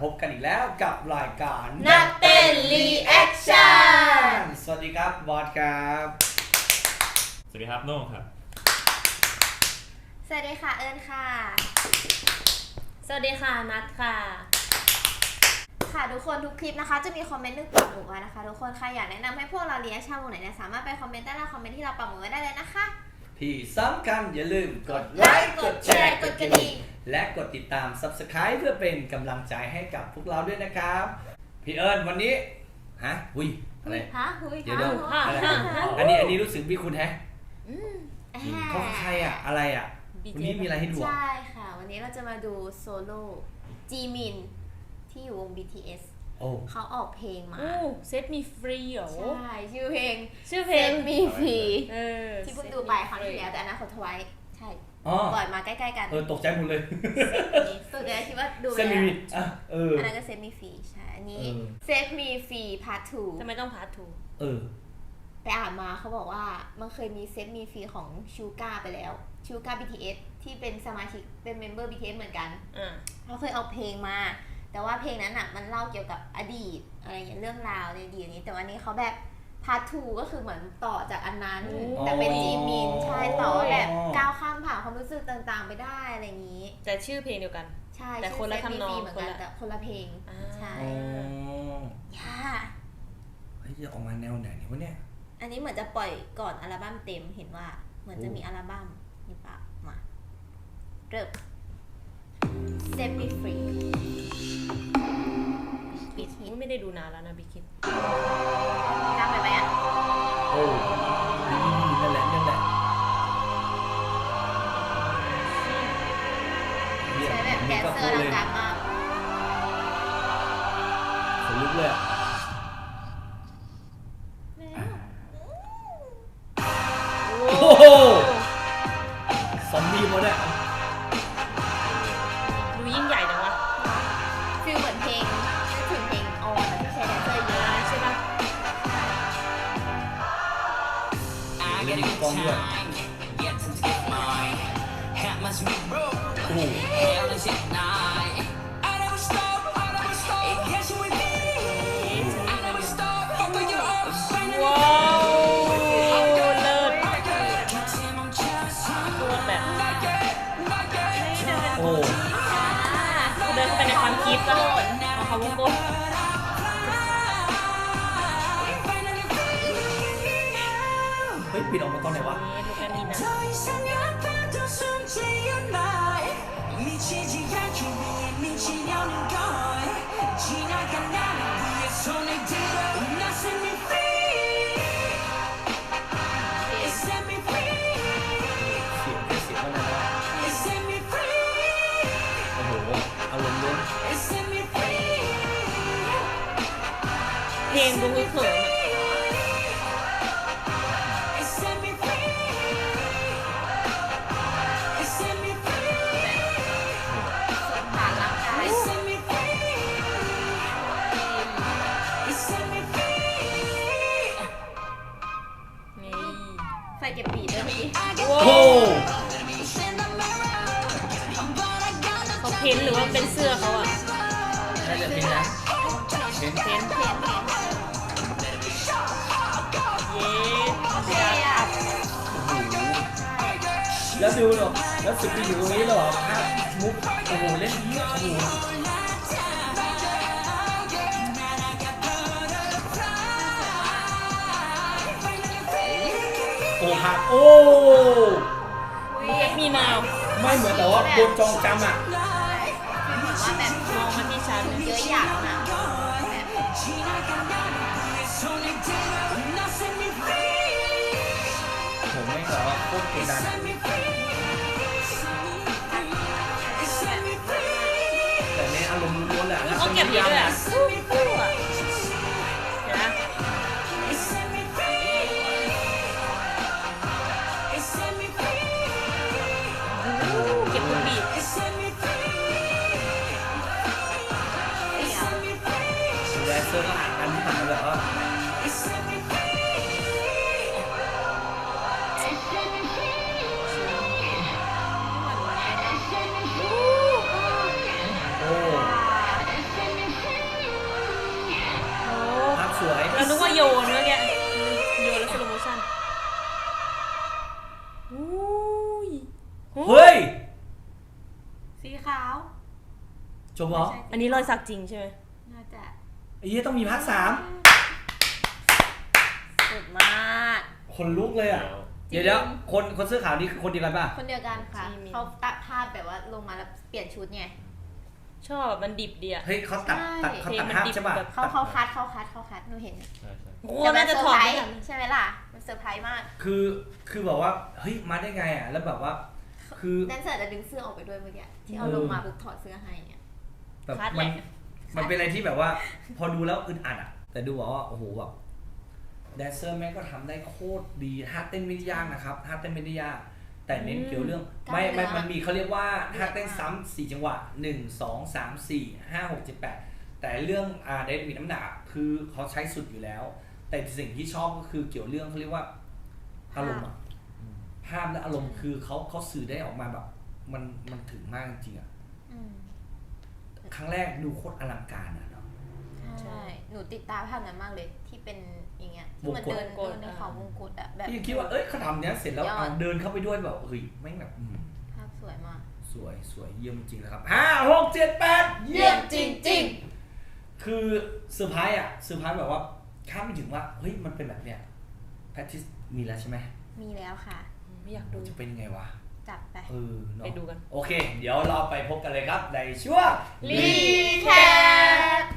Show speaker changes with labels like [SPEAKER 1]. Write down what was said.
[SPEAKER 1] พบกันอีกแล้วกับรายการ
[SPEAKER 2] นักเต้นรีแอคชั่น
[SPEAKER 1] สวัสดีครับบอสครับ
[SPEAKER 3] สวัสดีครับโน่งครับ
[SPEAKER 2] สวัสดีค่ะเอิญค่ะ
[SPEAKER 4] สวัสดีค่ะนัทค่ะ
[SPEAKER 2] ค่ะทุกคนทุกคลิปนะคะจะมีคอมเมนต์นึงปักหมุดไว้นะคะทุกคนใครอยากแนะนำให้พวกเรารีแอคชั่นวงไหนเนี่ยสามารถไปคอมเมนต์ใต้ล่างคอมเมนต์ที่เราปักหมุดไว้ได้เลยนะคะ
[SPEAKER 1] ที่สำคัญอย่าลืมกดไลค์กดแชร์กดกระดิ่งและกดติดตาม Subscribe เพื่อเป็นกำลังใจให้กับพวกเราด้วยนะครับพี่เอิญวันนี้ฮะหุยอะไรเดี๋ยวอะไรอันนี้รู้สึกพี่คุณแฮะเขาใครอะอะไรอะวันนี้มีอะไรให้ดู
[SPEAKER 2] ใช่ค่ะวันนี้เราจะมาดูโซโล่จีมินที่อยู่วง BTS เขาออกเพลงมา
[SPEAKER 4] เซตมีฟรีเหรอ
[SPEAKER 2] ใช่ชื่อเพลง
[SPEAKER 4] เซต
[SPEAKER 2] มีฟรีที่เพิ่งดูไปครั้งที่แล้วแต่อันนั้นเขาทวายใช่ปล่อยมาใกล้ๆกัน
[SPEAKER 1] ตกใจหมดเลย
[SPEAKER 2] ตกใจคิดว่าดูไปแล้วอันนั้นก็เซตมีฟรีใช่อันนี้เซตมีฟรีพาร์ท 2
[SPEAKER 4] ทำไมต้องพาร์ท 2
[SPEAKER 2] ไปอ่านมาเขาบอกว่ามันเคยมีเซตมีฟรีของชูก้าไปแล้วชูก้า BTS ที่เป็นสมาชิกเป็นเมมเบอร์ BTS เหมือนกันเขาเคยเอาเพลงมาแต่ว่าเพลงนั้นอ่ะมันเล่าเกี่ยวกับอดีตอะไรอย่างเงี้ยเรื่องราวในอดีตนี้แต่วันนี้เขาแบบพาร์ท 2ก็คือเหมือนต่อจากอันนั้นแต่เป็นจีมินใช่ต่อแบบก้าวข้ามผ่านความรู้สึกต่างๆไปได้อะไรอย่างนี้
[SPEAKER 4] แต่ชื่อเพลงเดียวกัน
[SPEAKER 2] ใช่
[SPEAKER 4] แต่คนละทำนอง
[SPEAKER 2] เหมือนกันแต่คนละเพลงใช่ย่า
[SPEAKER 1] เฮ้ยจะออกมาแนวไหนวะเนี่ย
[SPEAKER 2] อันนี้เหมือนจะปล่อยก่อนอัลบั้มเต็มเห็นว่าเหมือนจะมีอัลบั้มนี่ปะมาเริ่ม Set Me Free
[SPEAKER 4] บิคิดไม่ได้ดูนานแล้วนะบิคิด
[SPEAKER 2] ดังไปไหมอ่ะ
[SPEAKER 1] นั่นแหละ
[SPEAKER 2] ใช้แบบแดนเซอร์ดังๆมาก
[SPEAKER 1] ขนลุกเลยอ่ะโอ้โหซอมบี้หมดอ่ะ
[SPEAKER 4] ดูยิ่งใหญ่จังวะ
[SPEAKER 2] ฟีลเหมือนเพลงนึกถึงเพลงออนที่ใช้แดนเซอร์เยอะใช่ปะ
[SPEAKER 1] เล่นกล้องด้วยโอ้โห
[SPEAKER 4] เดินไปในความคิดก็เอาเขาวงกลม
[SPEAKER 1] เฮ้ยปิดออกมาตอนไหนวะ
[SPEAKER 4] ดูกันนี่นะเพลงดูเขิน
[SPEAKER 2] ไฟเก็บบีดด้วยพี่
[SPEAKER 1] โอ้
[SPEAKER 4] เขาเพ้นหรือว่าเป็นเสื้อเขาอ่ะ
[SPEAKER 1] น่าจะเป็นนะ
[SPEAKER 4] เพ้น
[SPEAKER 1] แล้วดูหรอแล้วสุดที่อยู่ตรงนี้หรอภาพมุกโอ้โหเล่นดีโอ้โหโอ้หักโอ้
[SPEAKER 4] มีนาว
[SPEAKER 1] ไม่เหมือนแต่ว่าโดนจองจำอ่ะ
[SPEAKER 2] ว่าแบบ
[SPEAKER 4] มองมาที่ฉัน
[SPEAKER 2] เยอะอย่างนะ
[SPEAKER 1] ผมไม่ขอว่าโคตรเกดันแต่ในอารมณ์ล้วนแหละ
[SPEAKER 4] เขาเก็บเยอะเลยอ่ะเห็นไหมเก็บทุกบีท
[SPEAKER 1] แดนเซอร์ก็อ่านกันที่ผ่านแบบว่าเฮ้ย
[SPEAKER 2] สีขาว
[SPEAKER 1] จบเหรอ
[SPEAKER 4] อันนี้รอยสักจริงใช่ไหม
[SPEAKER 2] น่าจะ
[SPEAKER 1] ไอ้เหี้ยต้องมีภาค3
[SPEAKER 2] สุดมาก
[SPEAKER 1] คนลุกเลยอ่ะ เดี๋ยวคนเสื้อขาวนี่คือคนเดียวกันป่ะ
[SPEAKER 2] คนเดียวกันค่ะ
[SPEAKER 4] จีมิน
[SPEAKER 2] เขาตัดภาพแบบว่าลงมาแล้วเปลี่ยนชุดไง
[SPEAKER 4] ชอบแบบมันดิบดีอะ
[SPEAKER 1] เฮ้ยเขาตัด
[SPEAKER 2] ใช่
[SPEAKER 1] เขาตัดภาพใช่ป่ะ
[SPEAKER 2] เขาคัดหนูเห็น
[SPEAKER 3] ใช่ใช่
[SPEAKER 4] โอ้
[SPEAKER 2] แต่มั
[SPEAKER 4] น่าจะ
[SPEAKER 2] เซอ
[SPEAKER 4] ถ
[SPEAKER 2] ร์
[SPEAKER 4] อด
[SPEAKER 2] ไพร
[SPEAKER 4] ไม่
[SPEAKER 2] ส์
[SPEAKER 4] ทัน
[SPEAKER 2] ใช่ไหมล่ะ มันเซอร์ไพรส์มาก
[SPEAKER 1] คือแบบว่าเฮ้ยมาได้ไงอ่ะแล้วแบบว่าคือ
[SPEAKER 2] แดนเซอร์จะดึงเสื้อออกไปด้วยเมื่อกี้ที่เอาลงมาปุ๊บถอดเสื้อให้เนี่ย
[SPEAKER 1] แบบ
[SPEAKER 4] คัดแห
[SPEAKER 1] มัน
[SPEAKER 4] ละ
[SPEAKER 1] มันเป็นอะไรที่แบบว่า พอดูแล้วอึดอัดอ่ะแต่ดูบอกว่าโอ้โหแบบแดนเซอร์แม่งก็ทำได้โคตรดีท่าเต้นไม่ได้ยากนะครับท่าเต้นไม่ได้ยากแต่เน้นเกี่ยวเรื่องมันมีเขาเรียกว่าท่าเต้นซ้ำ4จังหวะ1 2 3 4 5 6 7 8แต่เรื่องเดนมีน้ำหนักคือเขาใช้สุดอยู่แล้ว แต่สิ่งที่ชอบก็คือเกี่ยวเรื่องเขาเรียกว่าอารมณ์อะภาพและอารมณ์คือเขาสื่อได้ออกมาแบบมันถึงมากจริงๆอะ
[SPEAKER 2] อืม
[SPEAKER 1] ครั้งแรกดูโคตรอลังการอะเนาะ
[SPEAKER 2] ใช่ หนูติดตามภาพนั้นมากเลยที่เป็นอย่างเงี้ยที่มันเดิน
[SPEAKER 4] วงกต
[SPEAKER 2] ในเขาวงกตอะแบบ
[SPEAKER 1] พี่คิดว่าเขาทำเนี้ยเสร็จแล้ว
[SPEAKER 2] ยอด
[SPEAKER 1] เอาเดินเข้าไปด้วยแบบเฮ้ยแม่งแบบ
[SPEAKER 2] ภาพสวยมาก
[SPEAKER 1] สวยเยี่ยมจริงนะครับ5 6 7 8
[SPEAKER 2] เยี่ยมจริง
[SPEAKER 1] คือเซอร์ไพรส์อะเซอร์ไพรส์แบบว่าคาดไม่ถึงว่าเฮ้ยมันเป็นแบบเนี้ยแพทริสมีแล้วใช่ไหม
[SPEAKER 2] มีแล้วค่ะ
[SPEAKER 4] ไม่อยากดู
[SPEAKER 1] จะเป็นยังไงวะ
[SPEAKER 2] จัดไป
[SPEAKER 1] เนาะ
[SPEAKER 4] ไปดูกัน
[SPEAKER 1] โอเค เดี๋ยวเราไปพบกันเลยครับในช่วง
[SPEAKER 2] รีแคป